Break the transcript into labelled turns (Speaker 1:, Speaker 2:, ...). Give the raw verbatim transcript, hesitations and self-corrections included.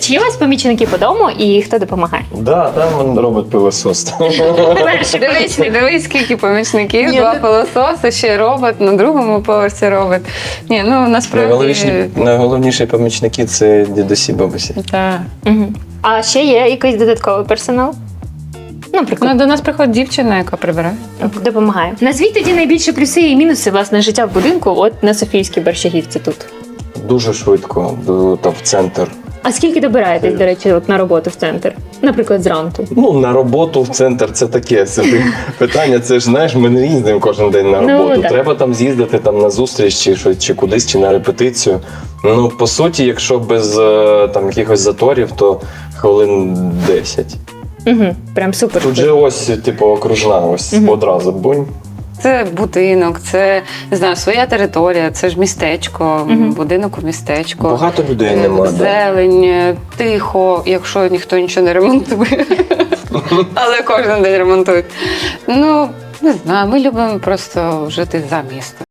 Speaker 1: Чи є у вас помічники по дому і хто допомагає?
Speaker 2: Да, там робить пилосос.
Speaker 3: Дивись, дивись, скільки помічників,
Speaker 1: Ні,
Speaker 3: два
Speaker 1: ну-
Speaker 3: пилососи, ще робот, на другому поверсі робот. Ні, ну насправді...
Speaker 2: Найголовніші, найголовніші помічники це дідусі, бабусі.
Speaker 3: Так.
Speaker 1: Угу. А ще є якийсь додатковий персонал? Наприклад,
Speaker 3: Ну, до нас приходить дівчина, яка прибирає.
Speaker 1: допомагає. Назвіть тоді найбільші плюси і мінуси власне життя в будинку, от на Софійській Борщагівці тут.
Speaker 2: Дуже швидко, до- там в центр.
Speaker 1: А скільки добираєтесь, до речі, от на роботу в центр? Наприклад, зранку.
Speaker 2: Ну, на роботу в центр це таке собі питання. Це ж, знаєш, ми не їздимо кожен день на
Speaker 1: Ну,
Speaker 2: роботу.
Speaker 1: так.
Speaker 2: Треба там з'їздити там на зустріч чи, що- чи кудись, чи на репетицію. Ну, по суті, якщо без е, там якихось заторів, то хвилин десять.
Speaker 1: Угу. Прям супер.
Speaker 2: Тут же ось, типу, окружна, ось
Speaker 1: Мгм.
Speaker 2: одразу бунь.
Speaker 3: Це будинок, це, не знаю, своя територія, це ж містечко,
Speaker 1: Мгм.
Speaker 3: будинок у містечку.
Speaker 2: Багато людей
Speaker 3: Е,
Speaker 2: нема. Да.
Speaker 3: Зелень, е, тихо, якщо ніхто нічого не ремонтує. Але кожен день ремонтують. Ну, не знаю, ми любимо просто жити за містом.